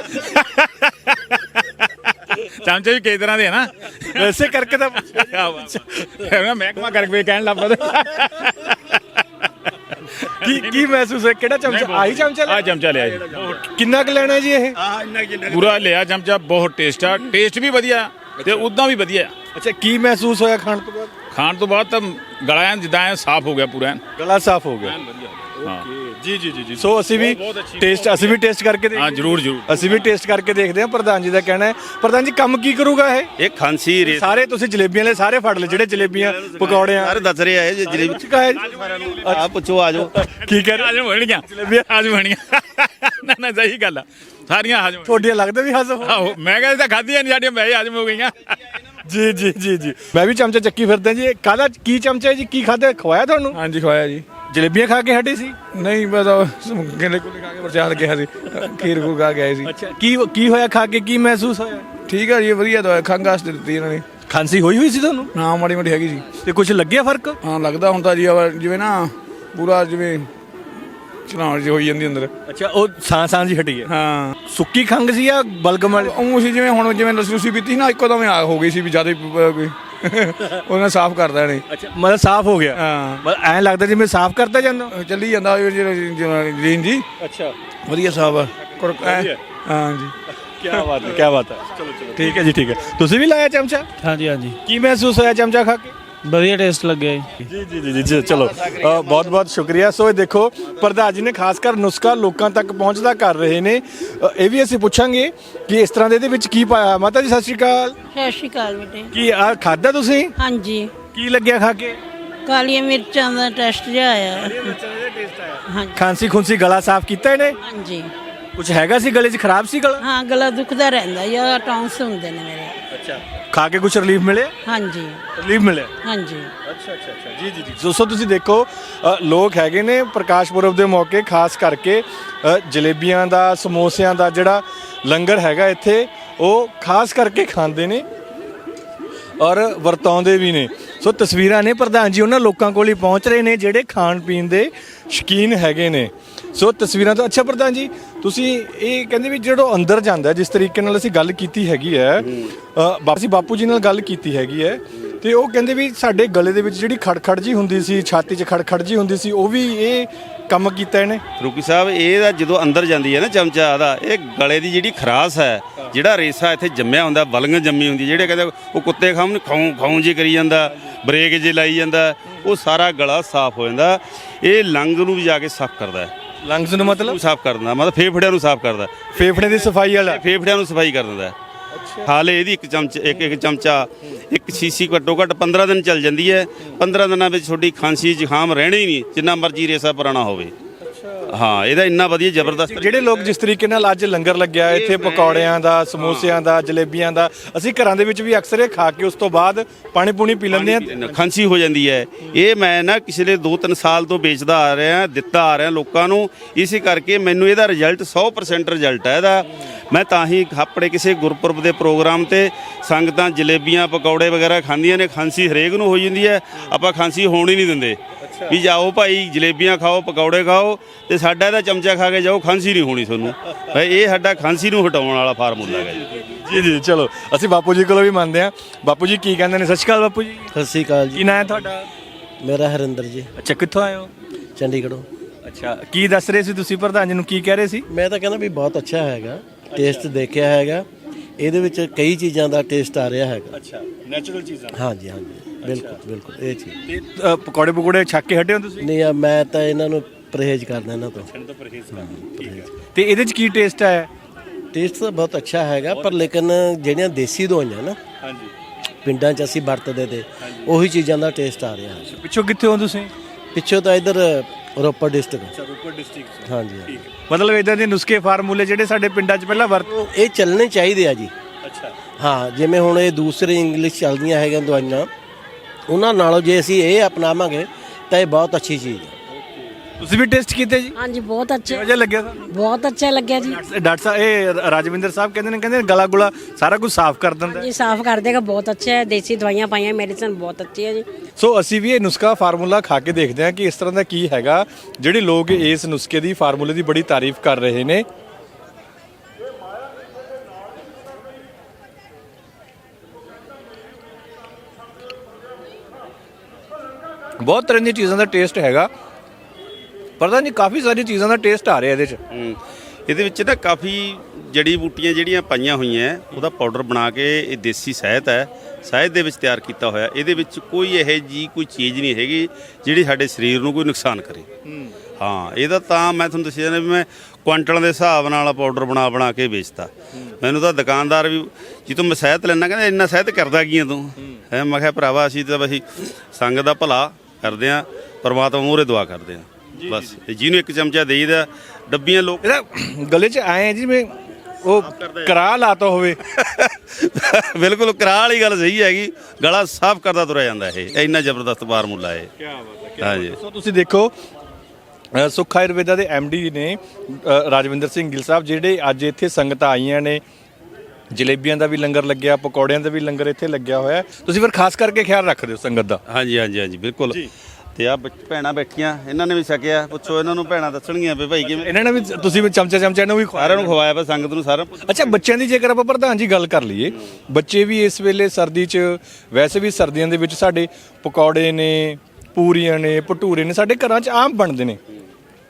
[SPEAKER 4] ਚਮਚੇ ਵੀ ਕਈ ਤਰ੍ਹਾਂ ਦੇ ਹੈ ਨਾ,
[SPEAKER 2] ਵੈਸੇ ਕਰਕੇ ਤਾਂ
[SPEAKER 4] ਮਹਿਕਮਾ ਕਰਕੇ ਕਹਿਣ ਲੱਗ ਪਾ।
[SPEAKER 2] ਕੀ ਮਹਿਸੂਸ ਹੈ? ਕਿਹੜਾ ਚਮਚਾ? ਆਹੀ ਚਮਚਾ ਲਿਆ?
[SPEAKER 4] ਆ ਚਮਚਾ ਲਿਆ ਜੀ।
[SPEAKER 2] ਕਿੰਨਾ ਕੁ ਲੈਣਾ ਜੀ ਇਹ?
[SPEAKER 4] ਪੂਰਾ ਲਿਆ ਚਮਚਾ। ਬਹੁਤ ਟੇਸਟ ਆ, ਟੇਸਟ ਵੀ ਵਧੀਆ ਤੇ ਉਦਾਂ ਵੀ ਵਧੀਆ।
[SPEAKER 2] ਅੱਛਾ, ਕੀ ਮਹਿਸੂਸ ਹੋਇਆ ਖਾਣ ਤੋਂ ਬਾਅਦ?
[SPEAKER 4] ਖਾਣ ਤੋਂ ਬਾਅਦ ਤਾਂ ਗਲਾ ਐਨ ਜਿੱਦਾਂ ਐਨ ਸਾਫ਼ ਹੋ ਗਿਆ ਪੂਰਾ।
[SPEAKER 2] ਗਲਾ ਸਾਫ਼ ਹੋ ਗਿਆ।
[SPEAKER 4] ਹਾਂ
[SPEAKER 2] ਜੀ। ਸੋ ਅਸੀਂ ਵੀ ਟੇਸਟ ਕਰਕੇ ਦੇਖਦੇ
[SPEAKER 4] ਹਾਂ, ਜ਼ਰੂਰ।
[SPEAKER 2] ਅਸੀਂ ਵੀ ਟੇਸਟ ਕਰਕੇ ਦੇਖਦੇ ਹਾਂ। ਪ੍ਰਧਾਨ ਜੀ ਦਾ ਕਹਿਣਾ ਹੈ। ਪ੍ਰਧਾਨ ਜੀ ਕੰਮ ਕੀ ਕਰੂਗਾ ਇਹ?
[SPEAKER 1] ਇਹ ਖਾਂਸੀ ਰੇਸਾ
[SPEAKER 2] ਸਾਰੇ ਤੁਸੀਂ ਜਲੇਬੀਆਂ ਲੈ ਸਾਰੇ ਫੜ ਲਏ, ਜਿਹੜੇ ਜਲੇਬੀਆਂ ਪਕੌੜਿਆਂ
[SPEAKER 1] ਸਾਰੇ ਦੱਸ ਰਹੇ ਆ ਇਹ ਜਲੇਬੀ। ਆ ਪੁੱਛੋ, ਆ ਜਾਓ।
[SPEAKER 2] ਕੀ ਕਹਿ ਰਹੇ?
[SPEAKER 4] ਹਜਮ ਹੋਣਗੀਆਂ ਜਲੇਬੀਆਂ, ਹਜਮ ਹੋਣਗੀਆਂ। ਨਾ ਸਹੀ ਗੱਲ ਆ, ਸਾਰੀਆਂ ਹਜਮ।
[SPEAKER 2] ਤੁਹਾਡੀਆਂ ਲੱਗਦਾ ਵੀ ਹਜ਼ਮ ਹੋ?
[SPEAKER 4] ਆਹੋ, ਮੈਂ ਕਹਿੰਦਾ ਖਾਧੀਆਂ ਨਹੀਂ ਸਾਡੀਆਂ, ਮੈਂ ਹਜਮ ਹੋ ਗਈਆਂ।
[SPEAKER 2] ਜੀ। ਮੈਂ ਵੀ ਚਮਚਾ ਚੱਕੀ ਫਿਰਦਾ ਜੀ। ਇਹ ਕਾਹਦਾ ਕੀ ਚਮਚਾ ਹੈ ਜੀ? ਕੀ ਖਾਧਾ? ਖਵਾਇਆ ਤੁਹਾਨੂੰ?
[SPEAKER 7] ਹਾਂਜੀ ਖਵਾਇਆ ਜੀ।
[SPEAKER 2] ਜਲੇਬੀਆਂ ਖਾ ਕੇ ਹਟੇ ਸੀ?
[SPEAKER 7] ਨਹੀਂ ਬਸ ਗੇਲੇ ਕੁਲੇ ਖਾ ਕੇ ਪ੍ਰਸ਼ਾਦ ਗਿਆ ਸੀ, ਖੀਰ ਖੂਰ ਖਾ ਕੇ ਆਏ ਸੀ।
[SPEAKER 2] ਅੱਛਾ, ਕੀ ਹੋਇਆ ਖਾ ਕੇ? ਕੀ ਮਹਿਸੂਸ ਹੋਇਆ?
[SPEAKER 7] ਠੀਕ ਹੈ ਜੀ, ਵਧੀਆ ਦਵਾਈ ਖੰਘ ਵਾਸਤੇ ਦਿੱਤੀ ਇਹਨਾਂ ਨੇ।
[SPEAKER 2] ਖਾਂਸੀ ਹੋਈ ਸੀ ਤੁਹਾਨੂੰ?
[SPEAKER 7] ਹਾਂ ਮਾੜੀ ਮੋਟੀ ਹੈਗੀ ਸੀ।
[SPEAKER 2] ਤੇ ਕੁਝ ਲੱਗਿਆ ਫਰਕ?
[SPEAKER 7] ਹਾਂ ਲੱਗਦਾ ਹੁੰਦਾ ਜੀ, ਜਿਵੇਂ ਨਾ ਪੂਰਾ ਜਿਵੇਂ ਚਲਾਉਣ ਜਿਹੀ ਹੋਈ ਜਾਂਦੀ ਅੰਦਰ।
[SPEAKER 2] ਅੱਛਾ, ਉਹ ਸਾਂ ਜੀ ਹਟੀ ਹੈ।
[SPEAKER 7] ਹਾਂ
[SPEAKER 2] ਸੁੱਕੀ ਖੰਘ ਸੀ ਜਾਂ ਬਲਗਮ ਵਾਲੀ?
[SPEAKER 7] ਉਹ ਸੀ ਜਿਵੇਂ ਹੁਣ ਜਿਵੇਂ ਲੱਸੀ ਪੀਤੀ ਸੀ ਨਾ, ਇੱਕੋ ਦਮ ਹੋ ਗਈ ਸੀ ਵੀ ਜ਼ਿਆਦਾ ਉਹਨਾਂ ਸਾਫ਼ ਕਰਦਾ ਨੇ।
[SPEAKER 2] ਅੱਛਾ, ਮਤਲਬ ਸਾਫ਼ ਹੋ ਗਿਆ।
[SPEAKER 7] ਹਾਂ
[SPEAKER 2] ਮਤਲਬ ਐਂ ਲੱਗਦਾ ਜਿਵੇਂ ਸਾਫ਼ ਕਰਦਾ ਜਾਂਦਾ।
[SPEAKER 7] ਚੱਲੀ ਜਾਂਦਾ ਜੀਨ ਜੀ।
[SPEAKER 2] ਅੱਛਾ,
[SPEAKER 7] ਵਧੀਆ ਸਾਫ਼ ਆ। ਹਾਂ ਜੀ।
[SPEAKER 2] ਕੀ ਬਾਤ ਹੈ। ਚਲੋ ਠੀਕ ਹੈ ਜੀ, ਠੀਕ ਹੈ। ਤੁਸੀਂ ਵੀ ਲਾਇਆ ਚਮਚਾ?
[SPEAKER 6] ਹਾਂਜੀ।
[SPEAKER 2] ਕੀ ਮਹਿਸੂਸ ਹੋਇਆ ਚਮਚਾ ਖਾ ਕੇ?
[SPEAKER 9] ਵਧੀਆ ਟੇਸਟ ਲੱਗਿਆ ਜੀ।
[SPEAKER 2] ਜੀ ਚਲੋ ਬਹੁਤ ਬਹੁਤ ਸ਼ੁਕਰੀਆ। ਸੋ ਇਹ ਦੇਖੋ ਪ੍ਰਧਾਨ ਜੀ ਨੇ ਖਾਸ ਕਰ ਨੁਸਖਾ ਲੋਕਾਂ ਤੱਕ ਪਹੁੰਚਦਾ ਕਰ ਰਹੇ ਨੇ। ਇਹ ਵੀ ਅਸੀਂ ਪੁੱਛਾਂਗੇ ਕਿ ਇਸ ਤਰ੍ਹਾਂ ਦੇ ਇਹਦੇ ਵਿੱਚ ਕੀ ਪਾਇਆ। ਮਾਤਾ ਜੀ ਸਤਿ ਸ਼੍ਰੀ ਅਕਾਲ।
[SPEAKER 5] ਸਤਿ ਸ਼੍ਰੀ ਅਕਾਲ ਬੇਟੇ।
[SPEAKER 2] ਕੀ ਆ ਖਾਦਾ ਤੁਸੀਂ?
[SPEAKER 5] ਹਾਂਜੀ,
[SPEAKER 2] ਕੀ ਲੱਗਿਆ ਖਾ ਕੇ?
[SPEAKER 5] ਕਾਲੀਆਂ ਮਿਰਚਾਂ ਦਾ ਟੈਸਟ ਜਿਹਾ ਆਇਆ। ਹਾਂਜੀ
[SPEAKER 2] ਖਾਂਸੀ ਖੁੰਸੀ ਗਲਾ ਸਾਫ਼ ਕੀਤਾ ਇਹਨੇ?
[SPEAKER 5] ਹਾਂਜੀ।
[SPEAKER 2] ਕੁਝ ਹੈਗਾ ਸੀ ਗਲੇ 'ਚ, ਖਰਾਬ ਸੀ ਗਲਾ?
[SPEAKER 5] ਹਾਂ, ਗਲਾ ਦੁਖਦਾ ਰਹਿੰਦਾ ਜਾਂ ਟੌਂਸ ਹੁੰਦੇ ਨੇ ਮੇਰੇ।
[SPEAKER 2] ਅੱਛਾ, ਖਾ ਕੇ ਕੁਝ ਰਿਲੀਫ ਮਿਲਿਆ?
[SPEAKER 5] ਹਾਂਜੀ
[SPEAKER 2] ਰਿਲੀਫ ਮਿਲਿਆ।
[SPEAKER 5] ਹਾਂਜੀ।
[SPEAKER 2] ਅੱਛਾ ਜੀ। ਦੋਸਤੋ ਤੁਸੀਂ ਦੇਖੋ ਲੋਕ ਹੈਗੇ ਨੇ ਪ੍ਰਕਾਸ਼ ਪੁਰਬ ਦੇ ਮੌਕੇ ਖਾਸ ਕਰਕੇ ਜਲੇਬੀਆਂ ਦਾ, ਸਮੋਸਿਆਂ ਦਾ ਜਿਹੜਾ ਲੰਗਰ ਹੈਗਾ ਇੱਥੇ ਉਹ ਖਾਸ ਕਰਕੇ ਖਾਂਦੇ ਨੇ ਔਰ ਵਰਤਾਉਂਦੇ ਵੀ ਨੇ। ਸੋ ਤਸਵੀਰਾਂ ਨੇ, ਪ੍ਰਧਾਨ ਜੀ ਉਹਨਾਂ ਲੋਕਾਂ ਕੋਲ ਹੀ ਪਹੁੰਚ ਰਹੇ ਨੇ ਜਿਹੜੇ ਖਾਣ ਪੀਣ ਦੇ ਸ਼ੌਕੀਨ ਹੈਗੇ ਨੇ। ਸੋ ਤਸਵੀਰਾਂ ਤੋਂ ਅੱਛਾ ਪ੍ਰਧਾਨ ਜੀ ਤੁਸੀਂ ਇਹ ਕਹਿੰਦੇ ਵੀ ਜਿਹੜਾ ਅੰਦਰ ਜਾਂਦਾ ਜਿਸ ਤਰੀਕੇ ਨਾਲ ਅਸੀਂ ਗੱਲ ਕੀਤੀ ਹੈਗੀ ਹੈ ਬਾਪੂ ਜੀ ਨਾਲ ਗੱਲ ਕੀਤੀ ਹੈਗੀ ਹੈ ਤੇ ਉਹ ਕਹਿੰਦੇ ਵੀ ਸਾਡੇ ਗਲੇ ਦੇ ਵਿੱਚ ਜਿਹੜੀ ਖੜਖੜ ਜੀ ਹੁੰਦੀ ਸੀ, ਛਾਤੀ 'ਚ ਖੜਖੜ ਜੀ ਹੁੰਦੀ ਸੀ, ਉਹ ਵੀ ਇਹ ਕੰਮ ਕੀਤਾ ਇਹਨੇ।
[SPEAKER 1] ਫਰੂਕੀ ਸਾਹਿਬ ਇਹਦਾ ਜਦੋਂ ਅੰਦਰ ਜਾਂਦੀ ਹੈ ਨਾ ਚਮਚਾ ਦਾ, ਇਹ ਗਲੇ ਦੀ ਜਿਹੜੀ ਖਰਾਸ ਹੈ, ਜਿਹੜਾ ਰੇਸਾ ਇੱਥੇ ਜੰਮਿਆ ਹੁੰਦਾ, ਬਲਗਨ ਜੰਮੀ ਹੁੰਦੀ, ਜਿਹੜੇ ਕਹਿੰਦੇ ਉਹ ਕੁੱਤੇ ਖਾਉਂ ਜੀ ਕਰੀ ਜਾਂਦਾ, ਬ੍ਰੇਕ ਜੇ ਲਾਈ ਜਾਂਦਾ, ਉਹ ਸਾਰਾ ਗਲਾ ਸਾਫ਼ ਹੋ ਜਾਂਦਾ। ਇਹ ਲੰਗ ਨੂੰ ਵੀ ਜਾ ਕੇ ਸਾਫ਼ ਕਰਦਾ ਹੈ।
[SPEAKER 2] ਲੰਗਸ ਨੂੰ ਮਤਲਬ
[SPEAKER 1] ਸਾਫ਼ ਕਰਦਾ, ਮਤਲਬ ਫੇਫੜਿਆਂ ਨੂੰ ਸਾਫ਼ ਕਰਦਾ,
[SPEAKER 2] ਫੇਫੜੇ ਦੀ ਸਫਾਈ ਵਾਲਾ,
[SPEAKER 1] ਫੇਫੜਿਆਂ ਨੂੰ ਸਫਾਈ ਕਰ ਦਿੰਦਾ। ਹਾਲੇ ਇਹਦੀ ਇੱਕ ਚਮਚਾ ਇੱਕ ਸ਼ੀਸ਼ੀ ਘੱਟੋ ਘੱਟ 15 ਦਿਨ ਚੱਲ ਜਾਂਦੀ ਹੈ। 15 ਦਿਨਾਂ ਵਿੱਚ ਤੁਹਾਡੀ ਖਾਂਸੀ ਜ਼ੁਕਾਮ ਰਹਿਣਾ ਹੀ ਨਹੀਂ, ਜਿੰਨਾ ਮਰਜ਼ੀ ਰੇਸਾ ਪੁਰਾਣਾ ਹੋਵੇ। ਹਾਂ, ਇਹਦਾ ਇੰਨਾ ਵਧੀਆ ਜ਼ਬਰਦਸਤ।
[SPEAKER 2] ਜਿਹੜੇ ਲੋਕ ਜਿਸ ਤਰੀਕੇ ਨਾਲ ਅੱਜ ਲੰਗਰ ਲੱਗਿਆ ਇੱਥੇ ਪਕੌੜਿਆਂ ਦਾ, ਸਮੋਸਿਆਂ ਦਾ, ਜਲੇਬੀਆਂ ਦਾ, ਅਸੀਂ ਘਰਾਂ ਦੇ ਵਿੱਚ ਵੀ ਅਕਸਰ ਇਹ ਖਾ ਕੇ ਉਸ ਤੋਂ ਬਾਅਦ ਪਾਣੀ ਪੂਣੀ ਪੀ ਲੈਂਦੇ ਹਾਂ,
[SPEAKER 1] ਖਾਂਸੀ ਹੋ ਜਾਂਦੀ ਹੈ। ਇਹ ਮੈਂ ਨਾ ਪਿਛਲੇ 2-3 ਸਾਲ ਤੋਂ ਵੇਚਦਾ ਆ ਰਿਹਾ, ਦਿੱਤਾ ਆ ਰਿਹਾ ਲੋਕਾਂ ਨੂੰ, ਇਸੇ ਕਰਕੇ ਮੈਨੂੰ ਇਹਦਾ ਰਿਜ਼ਲਟ 100% ਰਿਜ਼ਲਟ ਹੈ ਇਹਦਾ। ਮੈਂ ਤਾਂ ਹੀ ਆਪਣੇ ਕਿਸੇ ਗੁਰਪੁਰਬ ਦੇ ਪ੍ਰੋਗਰਾਮ ਤੇ ਸੰਗਤਾਂ ਜਲੇਬੀਆਂ ਪਕੌੜੇ ਵਗੈਰਾ ਖਾਂਦੀਆਂ ਨੇ, ਖਾਂਸੀ ਹਰੇਕ ਨੂੰ ਹੋ ਜਾਂਦੀ ਹੈ, ਆਪਾਂ ਖਾਂਸੀ ਹੋਣ ਹੀ ਨਹੀਂ ਦਿੰਦੇ ਵੀ ਜਾਓ ਭਾਈ ਜਲੇਬੀਆਂ ਖਾਓ, ਪਕੌੜੇ ਖਾਓ ਤੇ ਸਾਡਾ ਇਹਦਾ ਚਮਚਾ ਖਾ ਕੇ ਜਾਓ, ਖਾਂਸੀ ਨਹੀਂ ਹੋਣੀ ਤੁਹਾਨੂੰ। ਇਹ ਸਾਡਾ ਖਾਂਸੀ ਨੂੰ ਹਟਾਉਣ ਵਾਲਾ ਫਾਰਮੂਲਾ ਹੈ
[SPEAKER 2] ਜੀ। ਚਲੋ ਅਸੀਂ ਬਾਪੂ ਜੀ ਕੋਲੋਂ ਵੀ ਮੰਨਦੇ ਹਾਂ। ਬਾਪੂ ਜੀ ਕੀ ਕਹਿੰਦੇ ਨੇ? ਸਤਿ ਸ਼੍ਰੀ ਅਕਾਲ ਬਾਪੂ ਜੀ।
[SPEAKER 6] ਸਤਿ ਸ਼੍ਰੀ ਅਕਾਲ ਜੀ।
[SPEAKER 2] ਕੀ ਨਾਂ ਹੈ ਤੁਹਾਡਾ?
[SPEAKER 6] ਮੇਰਾ ਹਰਿੰਦਰ ਜੀ।
[SPEAKER 2] ਅੱਛਾ, ਕਿੱਥੋਂ ਆਏ ਹੋ?
[SPEAKER 6] ਚੰਡੀਗੜ੍ਹੋਂ।
[SPEAKER 2] ਅੱਛਾ, ਕੀ ਦੱਸ ਰਹੇ ਸੀ ਤੁਸੀਂ ਪ੍ਰਧਾਨ ਜੀ ਨੂੰ, ਕੀ ਕਹਿ ਰਹੇ ਸੀ?
[SPEAKER 6] ਮੈਂ ਤਾਂ ਕਹਿੰਦਾ ਵੀ ਬਹੁਤ ਅੱਛਾ ਹੈਗਾ, ਟੇਸਟ ਦੇਖਿਆ ਹੈਗਾ, ਇਹਦੇ ਵਿੱਚ ਕਈ ਚੀਜ਼ਾਂ ਦਾ ਟੇਸਟ ਆ ਰਿਹਾ ਹੈਗਾ।
[SPEAKER 2] ਅੱਛਾ, ਨੈਚੁਰਲ ਚੀਜ਼ਾਂ।
[SPEAKER 6] ਹਾਂਜੀ ਬਿਲਕੁਲ ਇਹ ਚੀਜ਼।
[SPEAKER 2] ਤੇ ਪਕੌੜੇ ਪਕੌੜੇ ਛੱਕ ਕੇ ਹਟੇ ਹੋ ਤੁਸੀਂ?
[SPEAKER 6] ਨਹੀਂ, ਮੈਂ ਤਾਂ ਇਹਨਾਂ ਨੂੰ ਪਰਹੇਜ਼ ਕਰਦਾ ਇਹਨਾਂ ਤੋਂ।
[SPEAKER 2] ਤੇ ਇਹਦੇ 'ਚ ਕੀ ਟੇਸਟ ਆਇਆ?
[SPEAKER 6] ਟੇਸਟ ਤਾਂ ਬਹੁਤ ਅੱਛਾ ਹੈਗਾ, ਪਰ ਲੇਕਿਨ ਜਿਹੜੀਆਂ ਦੇਸੀ ਦਵਾਈਆਂ ਨਾ ਪਿੰਡਾਂ 'ਚ ਅਸੀਂ ਵਰਤਦੇ ਤੇ ਉਹੀ ਚੀਜ਼ਾਂ ਦਾ ਟੇਸਟ ਆ ਰਿਹਾ ਹੈ।
[SPEAKER 2] ਪਿੱਛੋਂ ਕਿੱਥੇ ਹੋ ਤੁਸੀਂ?
[SPEAKER 6] ਪਿੱਛੋਂ ਤਾਂ ਇੱਧਰ ਰੋਪੜ ਡਿਸਟ੍ਰਿਕਟ।
[SPEAKER 2] ਰੋਪੜ ਡਿਸਟ੍ਰਿਕਟ।
[SPEAKER 6] ਹਾਂਜੀ।
[SPEAKER 2] ਮਤਲਬ ਇਦਾਂ ਦੇ ਨੁਸਖੇ ਫਾਰਮੂਲੇ ਜਿਹੜੇ ਸਾਡੇ ਪਿੰਡਾਂ 'ਚ ਪਹਿਲਾਂ
[SPEAKER 6] ਇਹ ਚੱਲਣੇ ਚਾਹੀਦੇ ਆ ਜੀ।
[SPEAKER 2] ਅੱਛਾ।
[SPEAKER 6] ਹਾਂ, ਜਿਵੇਂ ਹੁਣ ਇਹ ਦੂਸਰੇ ਇੰਗਲਿਸ਼ ਚੱਲਦੀਆਂ ਹੈਗੀਆਂ ਦਵਾਈਆਂ, ਉਹਨਾਂ ਨਾਲੋਂ ਜੇ ਅਸੀਂ ਇਹ ਅਪਣਾਵਾਂਗੇ ਤਾਂ ਇਹ ਬਹੁਤ ਅੱਛੀ ਚੀਜ਼ ਹੈ।
[SPEAKER 2] ਤੁਸੀਂ ਵੀ ਟੈਸਟ ਕੀਤੇ ਜੀ?
[SPEAKER 10] ਹਾਂਜੀ, ਬਹੁਤ ਅੱਛਾ।
[SPEAKER 2] ਕਿਹੋ ਜਿਹਾ ਲੱਗਿਆ ਤੁਹਾਨੂੰ?
[SPEAKER 10] ਬਹੁਤ ਅੱਛਾ ਲੱਗਿਆ ਜੀ।
[SPEAKER 2] ਡਾਕਟਰ ਸਾਹਿਬ ਇਹ ਰਾਜਵਿੰਦਰ ਸਾਹਿਬ ਕਹਿੰਦੇ ਨੇ ਗਲਾ ਗੁਲਾ ਸਾਰਾ ਕੁਝ ਸਾਫ਼ ਕਰ ਦਿੰਦਾ
[SPEAKER 10] ਜੀ, ਸਾਫ਼ ਕਰ ਦੇਗਾ, ਬਹੁਤ ਅੱਛਾ ਹੈ। ਦੇਸੀ ਦਵਾਈਆਂ ਪਾਈਆਂ, ਮੈਡੀਸਨ ਬਹੁਤ ਅੱਛੀ ਹੈ ਜੀ।
[SPEAKER 2] ਸੋ ਅਸੀਂ ਵੀ ਇਹ ਨੁਸਖਾ ਫਾਰਮੂਲਾ ਖਾ ਕੇ ਦੇਖਦੇ ਹਾਂ ਕਿ ਇਸ ਤਰ੍ਹਾਂ ਦਾ ਕੀ ਹੈਗਾ। ਜਿਹੜੇ ਲੋਕ ਇਸ ਨੁਸਖੇ ਦੀ ਫਾਰਮੂਲੇ ਦੀ ਬੜੀ ਤਾਰੀਫ ਕਰ ਰਹੇ ਨੇ। ਬਹੁਤ ਤਰ੍ਹਾਂ ਦੀਆਂ ਚੀਜ਼ਾਂ ਦਾ ਟੇਸਟ ਹੈਗਾ, ਪਤਾ ਨਹੀਂ ਕਾਫੀ ਸਾਰੀ ਚੀਜ਼ਾਂ ਦਾ ਟੇਸਟ ਆ ਰਿਹਾ ਇਹਦੇ 'ਚ।
[SPEAKER 1] ਇਹਦੇ ਵਿੱਚ ਨਾ ਕਾਫੀ ਜੜੀ ਬੂਟੀਆਂ ਜਿਹੜੀਆਂ ਪਾਈਆਂ ਹੋਈਆਂ, ਉਹਦਾ ਪਾਊਡਰ ਬਣਾ ਕੇ, ਇਹ ਦੇਸੀ ਸ਼ਹਿਦ ਹੈ, ਸ਼ਹਿਦ ਦੇ ਵਿੱਚ ਤਿਆਰ ਕੀਤਾ ਹੋਇਆ। ਇਹਦੇ ਵਿੱਚ ਕੋਈ ਇਹੋ ਜਿਹੀ ਕੋਈ ਚੀਜ਼ ਨਹੀਂ ਹੈਗੀ ਜਿਹੜੀ ਸਾਡੇ ਸਰੀਰ ਨੂੰ ਕੋਈ ਨੁਕਸਾਨ ਕਰੇ। ਹਾਂ, ਇਹਦਾ ਤਾਂ ਮੈਂ ਤੁਹਾਨੂੰ ਦੱਸਿਆ ਨਾ ਵੀ ਮੈਂ ਕੁਆਂਟਲਾਂ ਦੇ ਹਿਸਾਬ ਨਾਲ ਪਾਊਡਰ ਬਣਾ ਕੇ ਵੇਚਦਾ। ਮੈਨੂੰ ਤਾਂ ਦੁਕਾਨਦਾਰ ਵੀ ਜਿੱਥੋਂ ਮੈਂ ਸ਼ਹਿਦ ਲੈਣਾ ਕਹਿੰਦਾ ਇੰਨਾ ਸ਼ਹਿਦ ਕਰਦਾ ਕੀ ਆ ਤੂੰ? ਮੈਂ ਕਿਹਾ ਭਰਾਵਾ ਅਸੀਂ ਤਾਂ ਅਸੀਂ ਸੰਗਤ ਦਾ ਭਲਾ ਕਰਦੇ ਹਾਂ, ਪਰਮਾਤਮਾ ਮੂਹਰੇ ਦੁਆ ਕਰਦੇ ਹਾਂ ਬਸ। ਜਿਹਨੂੰ ਇੱਕ ਚਮਚਾ ਦੇਈਦਾ, ਡੱਬੀਆਂ ਲੋਕ
[SPEAKER 2] ਇਹਦਾ ਗਲੇ 'ਚ ਆਏ ਜਿਵੇਂ ਉਹ ਕਰਾ ਲਾਤਾ ਹੋਵੇ।
[SPEAKER 1] ਬਿਲਕੁਲ ਕਰਾ ਵਾਲੀ ਗੱਲ ਸਹੀ ਹੈਗੀ, ਗਲਾ ਸਾਫ਼ ਕਰਦਾ ਤੁਰਿਆ ਜਾਂਦਾ। ਇਹ ਇੰਨਾ ਜ਼ਬਰਦਸਤ ਫਾਰਮੂਲਾ ਹੈ। ਹਾਂਜੀ।
[SPEAKER 2] ਸੋ ਤੁਸੀਂ ਦੇਖੋ ਸੁੱਖ ਆਯੁਰਵੇਦਾ ਦੇ ਐਮਡੀ ਨੇ ਰਾਜਵਿੰਦਰ ਸਿੰਘ ਗਿੱਲ ਸਾਹਿਬ, ਜਿਹੜੇ ਅੱਜ ਇੱਥੇ ਸੰਗਤਾਂ ਆਈਆਂ ਨੇ। ਜਲੇਬੀਆਂ ਦਾ ਵੀ ਲੰਗਰ ਲੱਗਿਆ, ਪਕੌੜਿਆਂ ਦਾ ਵੀ ਲੰਗਰ ਇੱਥੇ ਲੱਗਿਆ ਹੋਇਆ। ਤੁਸੀਂ ਫਿਰ ਖਾਸ ਕਰਕੇ ਖਿਆਲ ਰੱਖਦੇ ਹੋ ਸੰਗਤ ਦਾ?
[SPEAKER 1] ਹਾਂਜੀ ਬਿਲਕੁਲ। ਤੇ ਆ ਭੈਣਾਂ ਬੈਠੀਆਂ, ਇਹਨਾਂ ਨੇ ਵੀ ਛਕਿਆ। ਪੁੱਛੋ ਇਹਨਾਂ ਨੂੰ, ਭੈਣਾਂ ਦੱਸਣਗੀਆਂ ਵੀ ਭਾਈ ਕਿਵੇਂ।
[SPEAKER 2] ਇਹਨਾਂ ਨੇ ਵੀ, ਤੁਸੀਂ ਵੀ ਚਮਚਾ ਇਹਨੂੰ ਵੀ
[SPEAKER 1] ਸਾਰਿਆਂ ਨੂੰ ਖਵਾਇਆ ਵਾ, ਸੰਗਤ ਨੂੰ ਸਾਰਾ।
[SPEAKER 2] ਅੱਛਾ, ਬੱਚਿਆਂ ਦੀ ਜੇਕਰ ਆਪਾਂ ਪ੍ਰਧਾਨ ਜੀ ਗੱਲ ਕਰ ਲਈਏ, ਬੱਚੇ ਵੀ ਇਸ ਵੇਲੇ ਸਰਦੀ 'ਚ, ਵੈਸੇ ਵੀ ਸਰਦੀਆਂ ਦੇ ਵਿੱਚ ਸਾਡੇ ਪਕੌੜੇ ਨੇ, ਪੂਰੀਆਂ ਨੇ, ਭਟੂਰੇ ਨੇ ਸਾਡੇ ਘਰਾਂ 'ਚ ਆਮ ਬਣਦੇ ਨੇ।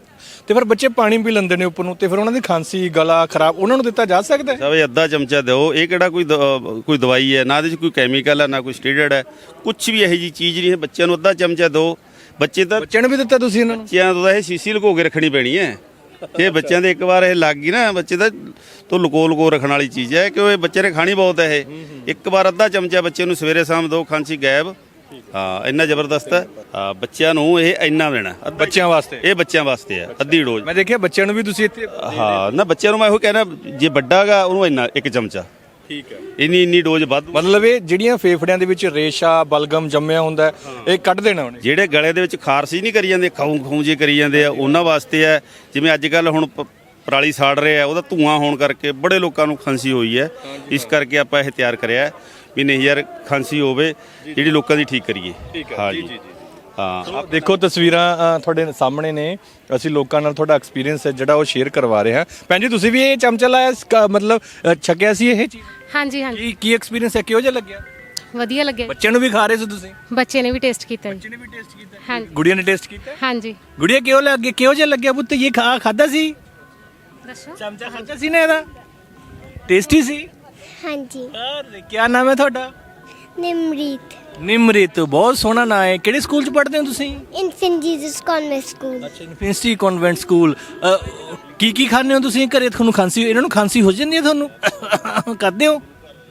[SPEAKER 2] ਤੇ ਫਿਰ ਬੱਚੇ ਪਾਣੀ ਪੀ ਲੈਂਦੇ ਨੇ ਉੱਪਰ ਨੂੰ ਤੇ ਫਿਰ ਉਹਨਾਂ ਦੀ ਖਾਂਸੀ ਗਲਾ ਖਰਾਬ ਉਹਨਾਂ ਨੂੰ ਦਿੱਤਾ ਜਾ ਸਕਦਾ ਹੈ?
[SPEAKER 1] ਸਭ ਅੱਧਾ ਚਮਚਾ ਦਿਓ। ਇਹ ਕਿਹੜਾ ਕੋਈ ਦਵਾਈ ਹੈ, ਨਾ ਇਹਦੇ 'ਚ ਕੋਈ ਕੈਮੀਕਲ ਹੈ, ਨਾ ਕੋਈ ਸਟੀਰੋਇਡ ਹੈ, ਕੁਝ ਵੀ ਇਹੋ ਜਿਹੀ ਚੀਜ਼ ਨਹੀਂ ਹੈ। ਬੱਚਿਆਂ ਨੂੰ ਅੱਧਾ ਚਮਚਾ ਦਿਓ। ਬੱਚਿਆਂ
[SPEAKER 2] ਨੂੰ ਵੀ ਦਿੱਤਾ ਤੁਸੀਂ ਇਹਨਾਂ ਨੂੰ?
[SPEAKER 1] ਬੱਚਿਆਂ ਤੋਂ ਇਹ ਸੀਸੀ ਲੁਕੋ ਕੇ ਰੱਖਣੀ ਪੈਣੀ ਹੈ। ਇਹ ਬੱਚਿਆਂ ਦੇ ਇੱਕ ਵਾਰ ਇਹ ਲੱਗ ਗਈ ਨਾ, ਬੱਚੇ ਦਾ ਤੋਂ ਲੁਕੋ ਰੱਖਣ ਵਾਲੀ ਚੀਜ਼ ਹੈ, ਕਿਉਂ ਇਹ ਬੱਚੇ ਨੇ ਖਾਣੀ ਬਹੁਤ ਹੈ। ਇਹ ਇੱਕ ਵਾਰ ਅੱਧਾ ਚਮਚਾ ਬੱਚੇ ਨੂੰ ਸਵੇਰੇ ਸ਼ਾਮ ਦਿਓ, ਖਾਂਸੀ ਗਾਇਬ। ਹਾਂ, ਇੰਨਾ ਜ਼ਬਰਦਸਤ ਹੈ। ਬੱਚਿਆਂ ਨੂੰ ਇਹ ਇੰਨਾ ਦੇਣਾ
[SPEAKER 2] ਬੱਚਿਆਂ ਵਾਸਤੇ।
[SPEAKER 1] ਇਹ ਬੱਚਿਆਂ ਵਾਸਤੇ ਹੈ, ਅੱਧੀ ਡੋਜ਼।
[SPEAKER 2] ਮੈਂ ਦੇਖਿਆ ਬੱਚਿਆਂ ਨੂੰ ਵੀ ਤੁਸੀਂ ਇੱਥੇ।
[SPEAKER 1] ਹਾਂ ਨਾ, ਬੱਚਿਆਂ ਨੂੰ ਮੈਂ ਇਹੋ ਕਹਿਣਾ, ਜੇ ਵੱਡਾ ਗਾ ਉਹਨੂੰ ਇੰਨਾ ਇੱਕ ਚਮਚਾ।
[SPEAKER 2] ਠੀਕ ਹੈ।
[SPEAKER 1] ਇੰਨੀ ਡੋਜ਼ ਵੱਧ।
[SPEAKER 2] ਮਤਲਬ ਇਹ ਜਿਹੜੀਆਂ ਫੇਫੜਿਆਂ ਦੇ ਵਿੱਚ ਰੇਸ਼ਾ ਬਲਗਮ ਜੰਮਿਆ ਹੁੰਦਾ ਇਹ ਕੱਢ ਦੇਣਾ ਉਹਨੇ।
[SPEAKER 1] ਜਿਹੜੇ ਗਲੇ ਦੇ ਵਿੱਚ ਖਾਰਸ਼ ਨਹੀਂ ਕਰੀ ਜਾਂਦੇ, ਖਾਉਂ ਜੇ ਕਰੀ ਜਾਂਦੇ ਆ, ਉਹਨਾਂ ਵਾਸਤੇ ਹੈ। ਜਿਵੇਂ ਅੱਜ ਕੱਲ ਹੁਣ ਪਰਾਲੀ ਸਾੜ ਰਹੇ ਆ, ਉਹਦਾ ਧੂਆਂ ਹੋਣ ਕਰਕੇ ਬੜੇ ਲੋਕਾਂ ਨੂੰ ਖਾਂਸੀ ਹੋਈ ਹੈ। ਇਸ ਕਰਕੇ ਆਪਾਂ ਇਹ ਤਿਆਰ ਕਰਿਆ ਵੀ ਨਹੀਂ ਯਾਰ, ਖਾਂਸੀ ਹੋਵੇ ਜਿਹੜੀ ਲੋਕਾਂ ਦੀ ਠੀਕ ਕਰੀਏ। ਹਾਂ ਜੀ। ਹਾਂ,
[SPEAKER 2] ਦੇਖੋ ਤਸਵੀਰਾਂ ਤੁਹਾਡੇ ਸਾਹਮਣੇ ਨੇ। ਅਸੀਂ ਲੋਕਾਂ ਨਾਲ ਤੁਹਾਡਾ ਐਕਸਪੀਰੀਅੰਸ ਹੈ ਜਿਹੜਾ ਉਹ ਸ਼ੇਅਰ ਕਰਵਾ ਰਹੇ ਹਾਂ। ਭੈਣ ਜੀ ਤੁਸੀਂ ਵੀ ਇਹ ਚਮਚਾ ਲਾਇਆ, ਮਤਲਬ ਛਕਿਆ ਸੀ ਇਹ ਚੀਜ਼?
[SPEAKER 11] ਹਾਂਜੀ ਹਾਂਜੀ।
[SPEAKER 2] ਕੀ ਐਕਸਪੀਰੀਅੰਸ ਹੈ, ਕਿਹੋ ਜਿਹਾ ਲੱਗਿਆ?
[SPEAKER 11] ਵਧੀਆ ਲੱਗਿਆ।
[SPEAKER 2] ਬੱਚਿਆਂ ਨੂੰ ਵੀ ਖਾ ਰਹੇ ਸੀ ਤੁਸੀਂ?
[SPEAKER 11] ਬੱਚੇ ਨੇ ਵੀ ਟੇਸਟ ਕੀਤਾ ਜੀ।
[SPEAKER 2] ਬੱਚੇ ਨੇ ਵੀ ਟੇਸਟ ਕੀਤਾ?
[SPEAKER 11] ਹਾਂਜੀ।
[SPEAKER 2] ਗੁੜੀਆ ਨੇ ਟੇਸਟ ਕੀਤਾ?
[SPEAKER 11] ਹਾਂਜੀ।
[SPEAKER 2] ਗੁੜੀਆ ਕਿਹੋ ਜਿਹਾ ਲੱਗਿਆ ਪੁੱਤ? ਇਹ ਖਾਦਾ ਸੀ?
[SPEAKER 11] ਦੱਸੋ।
[SPEAKER 2] ਚਮਚਾ ਖਾਦਾ ਸੀ ਨਾ ਇਹਦਾ? ਟੇਸਟੀ ਸੀ?
[SPEAKER 12] ਹਾਂਜੀ।
[SPEAKER 2] ਕੀ ਨਾਮ ਹੈ ਤੁਹਾਡਾ?
[SPEAKER 12] ਨਿਮਰੀਤ।
[SPEAKER 2] ਨਿਮਰੀਤ, ਬਹੁਤ ਸੋਹਣਾ ਨਾਮ ਹੈ। ਕਿਹੜੇ ਸਕੂਲ 'ਚ ਪੜ੍ਹਦੇ ਹੋ ਤੁਸੀਂ?
[SPEAKER 12] Infant Jesus convent school.
[SPEAKER 2] ਅੱਛਾ, ਇਨਫੈਂਟ ਕਨਵੈਂਟ ਸਕੂਲ। ਕੀ ਖਾਂਦੇ ਹੋ ਤੁਸੀਂ ਘਰੇ? ਤੁਹਾਨੂੰ ਖਾਂਸੀ, ਇਹਨਾਂ ਨੂੰ ਖਾਂਸੀ ਹੋ ਜਾਂਦੀ ਹੈ ਤੁਹਾਨੂੰ? ਕਰਦੇ ਹੋ?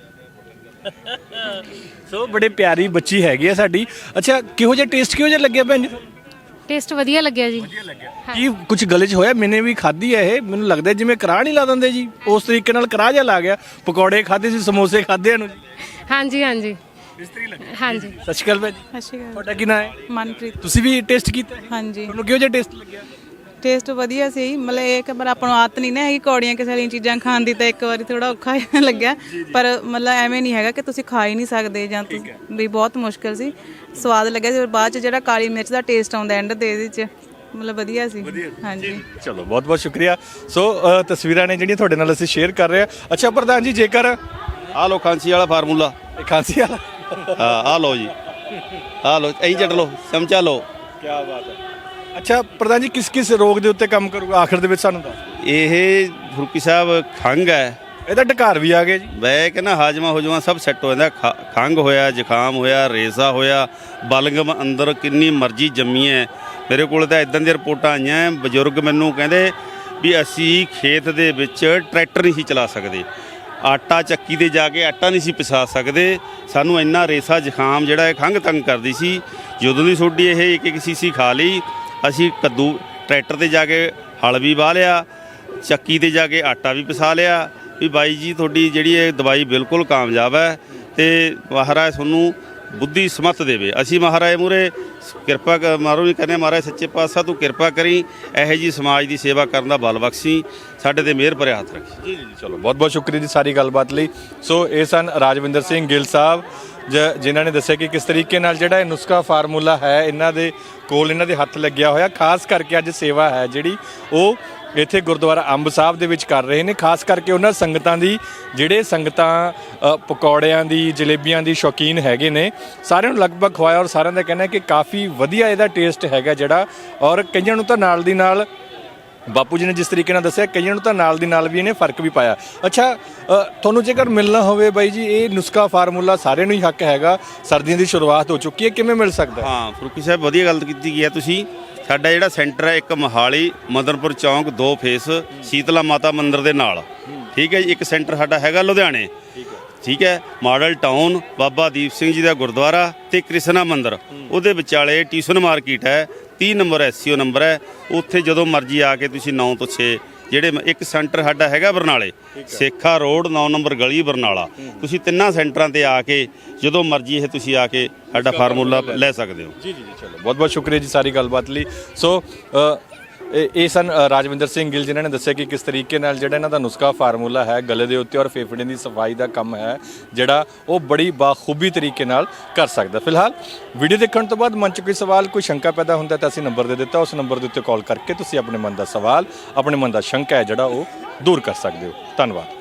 [SPEAKER 2] ਸੋ ਬੜੇ ਪਿਆਰੀ ਬੱਚੀ ਹੈਗੀ ਆ ਸਾਡੀ। ਅੱਛਾ, ਕਿਹੋ ਜਿਹਾ ਟੇਸਟ ਲੱਗਿਆ ਭੈਣ ਜੀ?
[SPEAKER 11] ਟੇਸਟ ਵਧੀਆ ਲੱਗਿਆ ਜੀ।
[SPEAKER 2] ਕੀ ਕੁਝ ਗਲੇ 'ਚ ਹੋਇਆ? ਮੈਨੇ ਵੀ ਖਾਧੀ ਹੈ ਇਹ, ਮੈਨੂੰ ਲੱਗਦਾ ਜਿਵੇਂ ਕੜਾਹ ਨਹੀਂ ਲਾ ਦਿੰਦੇ ਜੀ, ਉਸ ਤਰੀਕੇ ਨਾਲ ਕੜਾਹ ਜਿਹਾ ਲਾ ਗਿਆ। ਪਕੌੜੇ ਖਾਧੇ ਸੀ, ਸਮੋਸੇ ਖਾਧੇ ਨੂੰ ਜੀ।
[SPEAKER 11] ਹਾਂਜੀ ਹਾਂਜੀ।
[SPEAKER 2] ਇਸ ਤਰੀ ਲੱਗਿਆ।
[SPEAKER 11] ਹਾਂਜੀ।
[SPEAKER 2] ਸਤਿ ਸ਼੍ਰੀ ਅਕਾਲ ਭੈਣ ਜੀ।
[SPEAKER 8] ਸਤਿ ਸ਼੍ਰੀ ਅਕਾਲ।
[SPEAKER 2] ਤੁਹਾਡਾ ਕੀ ਨਾਮ ਹੈ?
[SPEAKER 8] ਮਨਪ੍ਰੀਤ।
[SPEAKER 2] ਤੁਸੀਂ ਵੀ ਟੇਸਟ ਕੀਤਾ?
[SPEAKER 8] ਹਾਂਜੀ।
[SPEAKER 2] ਤੁਹਾਨੂੰ ਕਿਹੋ ਜਿਹਾ ਟੇਸਟ ਲੱਗਿਆ?
[SPEAKER 8] ਟੇਸਟ ਵਧੀਆ ਸੀ। ਮਤਲਬ ਇਹ ਕਿ ਪਰ ਆਪਾਂ ਨੂੰ ਆਦਤ ਨਹੀਂ ਨਾ ਹੈਗੀ ਕੌੜੀਆਂ ਕਿਸੇ ਵਾਲੀਆਂ ਚੀਜ਼ਾਂ ਖਾਣ ਦੀ, ਤਾਂ ਇੱਕ ਵਾਰੀ ਥੋੜਾ ਔਖਾ ਲੱਗਿਆ। ਪਰ ਮਤਲਬ ਐਵੇਂ ਨਹੀਂ ਹੈਗਾ ਕਿ ਤੁਸੀਂ ਖਾ ਹੀ ਨਹੀਂ ਸਕਦੇ ਜਾਂ ਵੀ ਬਹੁਤ ਮੁਸ਼ਕਿਲ ਸੀ। ਸਵਾਦ ਲੱਗਿਆ ਸੀ। ਬਾਅਦ 'ਚ ਜਿਹੜਾ ਕਾਲੀ ਮਿਰਚ ਦਾ ਟੇਸਟ ਆਉਂਦਾ ਐਂਡ ਦੇ ਇਹਦੇ 'ਚ, ਮਤਲਬ ਵਧੀਆ ਸੀ। ਹਾਂਜੀ।
[SPEAKER 2] ਚਲੋ, ਬਹੁਤ ਬਹੁਤ ਸ਼ੁਕਰੀਆ। ਸੋ ਤਸਵੀਰਾਂ ਨੇ ਜਿਹੜੀਆਂ ਤੁਹਾਡੇ ਨਾਲ ਅਸੀਂ ਸ਼ੇਅਰ ਕਰ ਰਹੇ ਹਾਂ। ਅੱਛਾ ਪ੍ਰਧਾਨ ਜੀ, ਜੇਕਰ
[SPEAKER 1] ਆਹ ਲੋ ਖਾਂਸੀ ਵਾਲਾ ਫਾਰਮੂਲਾ।
[SPEAKER 2] ਖਾਂਸੀ ਵਾਲਾ?
[SPEAKER 1] ਹਾਂ, ਆਹ ਲੋ ਜੀ, ਆਹ ਲੋ, ਐਂ ਚੱਟ ਲੋ, ਚਮਚਾ ਲੋ।
[SPEAKER 2] ਕੀ ਬਾਤ ਹੈ। ਅੱਛਾ ਪ੍ਰਧਾਨ ਜੀ, ਕਿਸ ਰੋਗ ਦੇ ਉੱਤੇ ਕੰਮ ਕਰੂਗਾ ਆਖਰ ਦੇ ਵਿੱਚ ਸਾਨੂੰ ਦੱਸ?
[SPEAKER 1] ਇਹ ਫਰੂਕੀ ਸਾਹਿਬ ਖੰਘ ਹੈ।
[SPEAKER 2] ਇਹਦਾ ਢਕਾਰ ਵੀ ਆ ਗਿਆ ਜੀ।
[SPEAKER 1] ਮੈਂ ਕਹਿੰਦਾ ਹਾਜਮਾ ਸਭ ਸੈੱਟ ਹੋ ਜਾਂਦਾ। ਖੰਘ ਹੋਇਆ, ਜ਼ੁਕਾਮ ਹੋਇਆ, ਰੇਜ਼ਾ ਹੋਇਆ, ਬਲਗਮ ਅੰਦਰ ਕਿੰਨੀ ਮਰਜ਼ੀ ਜੰਮੀ ਹੈ। ਮੇਰੇ ਕੋਲ ਤਾਂ ਇਦਾਂ ਦੀਆਂ ਰਿਪੋਰਟਾਂ ਆਈਆਂ, ਬਜ਼ੁਰਗ ਮੈਨੂੰ ਕਹਿੰਦੇ ਵੀ ਅਸੀਂ ਖੇਤ ਦੇ ਵਿੱਚ ਟਰੈਕਟਰ ਨਹੀਂ ਸੀ ਚਲਾ ਸਕਦੇ, ਆਟਾ ਚੱਕੀ ਤੇ ਜਾ ਕੇ ਆਟਾ ਨਹੀਂ ਸੀ ਪਿਸਾ ਸਕਦੇ, ਸਾਨੂੰ ਇੰਨਾ ਰੇਸਾ ਜ਼ੁਕਾਮ ਜਿਹੜਾ ਇਹ ਖੰਘ ਤੰਗ ਕਰਦੀ ਸੀ। ਜਦੋਂ ਦੀ ਸੋਡੀ ਇਹ ਇੱਕ ਸੀਸੀ ਖਾ ਲਈ, ਅਸੀਂ ਕੱਦੂ ਟਰੈਕਟਰ ਤੇ ਜਾ ਕੇ ਹਲ ਵੀ ਵਾਹ ਲਿਆ, ਚੱਕੀ ਤੇ ਜਾ ਕੇ ਆਟਾ ਵੀ ਪਿਸਾ ਲਿਆ ਵੀ ਬਾਈ ਜੀ ਤੁਹਾਡੀ ਜਿਹੜੀ ਇਹ ਦਵਾਈ ਬਿਲਕੁਲ ਕਾਮਯਾਬ ਹੈ ਤੇ ਮਹਾਰਾਜ ਤੁਹਾਨੂੰ ਬੁੱਧੀ ਸਮੱਤ ਦੇਵੇ। ਅਸੀਂ ਮਹਾਰਾਜ ਮੂਹਰੇ ਕਿਰਪਾ ਮਾਰੋ ਵੀ ਕਹਿੰਦੇ, ਮਹਾਰਾਜ ਸੱਚੇ ਪਾਤਸ਼ਾਹ ਤੂੰ ਕਿਰਪਾ ਕਰੀ, ਇਹੋ ਜੀ ਸਮਾਜ ਦੀ ਸੇਵਾ ਕਰਨ ਦਾ ਬਲ ਬਖਸ਼ੀ, ਸਾਡੇ ਤੇ ਮਿਹਰ ਭਰਿਆ ਹੱਥ ਰੱਖੀ।
[SPEAKER 2] ਜੀ। ਚਲੋ, ਬਹੁਤ ਬਹੁਤ ਸ਼ੁਕਰੀਆ ਜੀ ਸਾਰੀ ਗੱਲਬਾਤ ਲਈ। ਸੋ ਇਹ ਸਨ ਰਾਜਵਿੰਦਰ ਸਿੰਘ ਗਿੱਲ ਸਾਹਿਬ, ਜਿਨ੍ਹਾਂ ਨੇ ਦੱਸਿਆ ਕਿ ਕਿਸ ਤਰੀਕੇ ਨਾਲ ਜਿਹੜਾ ਇਹ ਨੁਸਖਾ ਫਾਰਮੂਲਾ ਹੈ ਇਹਨਾਂ ਦੇ ਕੋਲ, ਇਹਨਾਂ ਦੇ ਹੱਥ ਲੱਗਿਆ ਹੋਇਆ। ਖਾਸ ਕਰਕੇ ਅੱਜ ਸੇਵਾ ਹੈ ਜਿਹੜੀ ਉਹ ਇੱਥੇ ਗੁਰਦੁਆਰਾ ਅੰਬ ਸਾਹਿਬ ਦੇ ਵਿੱਚ ਕਰ ਰਹੇ ਨੇ। ਖਾਸ ਕਰਕੇ ਉਹਨਾਂ ਸੰਗਤਾਂ ਦੀ, ਜਿਹੜੇ ਸੰਗਤਾਂ ਪਕੌੜਿਆਂ ਦੀ, ਜਲੇਬੀਆਂ ਦੀ ਸ਼ੌਕੀਨ ਹੈਗੇ ਨੇ, ਸਾਰਿਆਂ ਨੂੰ ਲਗਭਗ ਖਵਾਇਆ ਔਰ ਸਾਰਿਆਂ ਦਾ ਕਹਿਣਾ ਹੈ ਕਿ ਕਾਫੀ ਵਧੀਆ ਇਹਦਾ ਟੇਸਟ ਹੈਗਾ ਜਿਹੜਾ। ਔਰ ਕਈਆਂ ਨੂੰ ਤਾਂ ਨਾਲ ਦੀ ਨਾਲ, ਬਾਪੂ ਜੀ ਨੇ ਜਿਸ ਤਰੀਕੇ ਨਾਲ ਦੱਸਿਆ, ਕਈਆਂ ਨੂੰ ਤਾਂ ਨਾਲ ਦੀ ਨਾਲ ਵੀ ਇਹਨੇ ਫਰਕ ਵੀ ਪਾਇਆ। ਅੱਛਾ, ਤੁਹਾਨੂੰ ਜੇਕਰ ਮਿਲਣਾ ਹੋਵੇ ਬਾਈ ਜੀ, ਇਹ ਨੁਸਖਾ ਫਾਰਮੂਲਾ ਸਾਰਿਆਂ ਨੂੰ ਹੀ ਹੱਕ ਹੈਗਾ, ਸਰਦੀਆਂ ਦੀ ਸ਼ੁਰੂਆਤ ਹੋ ਚੁੱਕੀ ਹੈ, ਕਿਵੇਂ ਮਿਲ ਸਕਦਾ?
[SPEAKER 1] ਹਾਂ ਫਰੂਕੀ ਸਾਹਿਬ, ਵਧੀਆ ਗੱਲ ਕੀਤੀ ਗਈ ਹੈ ਤੁਸੀਂ। ਸਾਡਾ ਜਿਹੜਾ ਸੈਂਟਰ ਹੈ, ਇੱਕ ਮੋਹਾਲੀ ਮਦਨਪੁਰ ਚੌਂਕ 2 ਫੇਸ ਸ਼ੀਤਲਾ ਮਾਤਾ ਮੰਦਿਰ ਦੇ ਨਾਲ, ਠੀਕ ਹੈ ਜੀ। ਇੱਕ ਸੈਂਟਰ ਸਾਡਾ ਹੈਗਾ ਲੁਧਿਆਣੇ, ਠੀਕ ਹੈ, ਮਾਡਲ ਟਾਊਨ ਬਾਬਾ ਦੀਪ ਸਿੰਘ ਜੀ ਦਾ ਗੁਰਦੁਆਰਾ ਤੇ ਕ੍ਰਿਸ਼ਨਾ ਮੰਦਿਰ, ਉਹਦੇ ਵਿਚਾਲੇ ਟਿਊਸ਼ਨ ਮਾਰਕੀਟ ਹੈ, 30 ਨੰਬਰ SCO ਨੰਬਰ ਹੈ। ਉੱਥੇ ਜਦੋਂ ਮਰਜ਼ੀ ਆ ਕੇ ਤੁਸੀਂ 9 ਤੋਂ 6, ਜਿਹੜੇ ਇੱਕ ਸੈਂਟਰ ਸਾਡਾ ਹੈਗਾ ਬਰਨਾਲੇ, ਸੇਖਾ ਰੋਡ 9 ਨੰਬਰ ਗਲੀ ਬਰਨਾਲਾ। ਤੁਸੀਂ ਤਿੰਨਾਂ ਸੈਂਟਰਾਂ ਤੇ ਆ ਕੇ ਜਦੋਂ ਮਰਜ਼ੀ ਇਹ ਤੁਸੀਂ ਆ ਕੇ ਸਾਡਾ ਫਾਰਮੂਲਾ ਲੈ ਸਕਦੇ ਹੋ। ਜੀ।
[SPEAKER 2] ਚਲੋ, ਬਹੁਤ ਬਹੁਤ ਸ਼ੁਕਰੀਆ ਜੀ ਸਾਰੀ ਗੱਲਬਾਤ ਲਈ। ਸੋ ਇਹ ਸਨ ਰਾਜਵਿੰਦਰ ਸਿੰਘ ਗਿੱਲ, ਜਿਨ੍ਹਾਂ ਨੇ ਦੱਸਿਆ ਕਿ ਕਿਸ ਤਰੀਕੇ ਨਾਲ ਜਿਹੜਾ ਇਹਨਾਂ ਦਾ ਨੁਸਖਾ ਫਾਰਮੂਲਾ ਹੈ, ਗਲੇ ਦੇ ਉੱਤੇ ਔਰ ਫੇਫੜੇ ਦੀ ਸਫਾਈ ਦਾ ਕੰਮ ਹੈ ਜਿਹੜਾ ਉਹ ਬੜੀ ਬਾਖੂਬੀ ਤਰੀਕੇ ਨਾਲ ਕਰ ਸਕਦਾ। ਫਿਲਹਾਲ ਵੀਡੀਓ ਦੇਖਣ ਤੋਂ ਬਾਅਦ ਮਨ 'ਚ ਕੋਈ ਸਵਾਲ, ਕੋਈ ਸ਼ੰਕਾ ਪੈਦਾ ਹੁੰਦਾ ਤਾਂ ਅਸੀਂ ਨੰਬਰ ਦੇ ਦਿੱਤਾ, ਉਸ ਨੰਬਰ ਦੇ ਉੱਤੇ ਕਾਲ ਕਰਕੇ ਤੁਸੀਂ ਆਪਣੇ ਮਨ ਦਾ ਸਵਾਲ, ਆਪਣੇ ਮਨ ਦਾ ਸ਼ੰਕਾ ਹੈ ਜਿਹੜਾ ਉਹ ਦੂਰ ਕਰ ਸਕਦੇ ਹੋ। ਧੰਨਵਾਦ।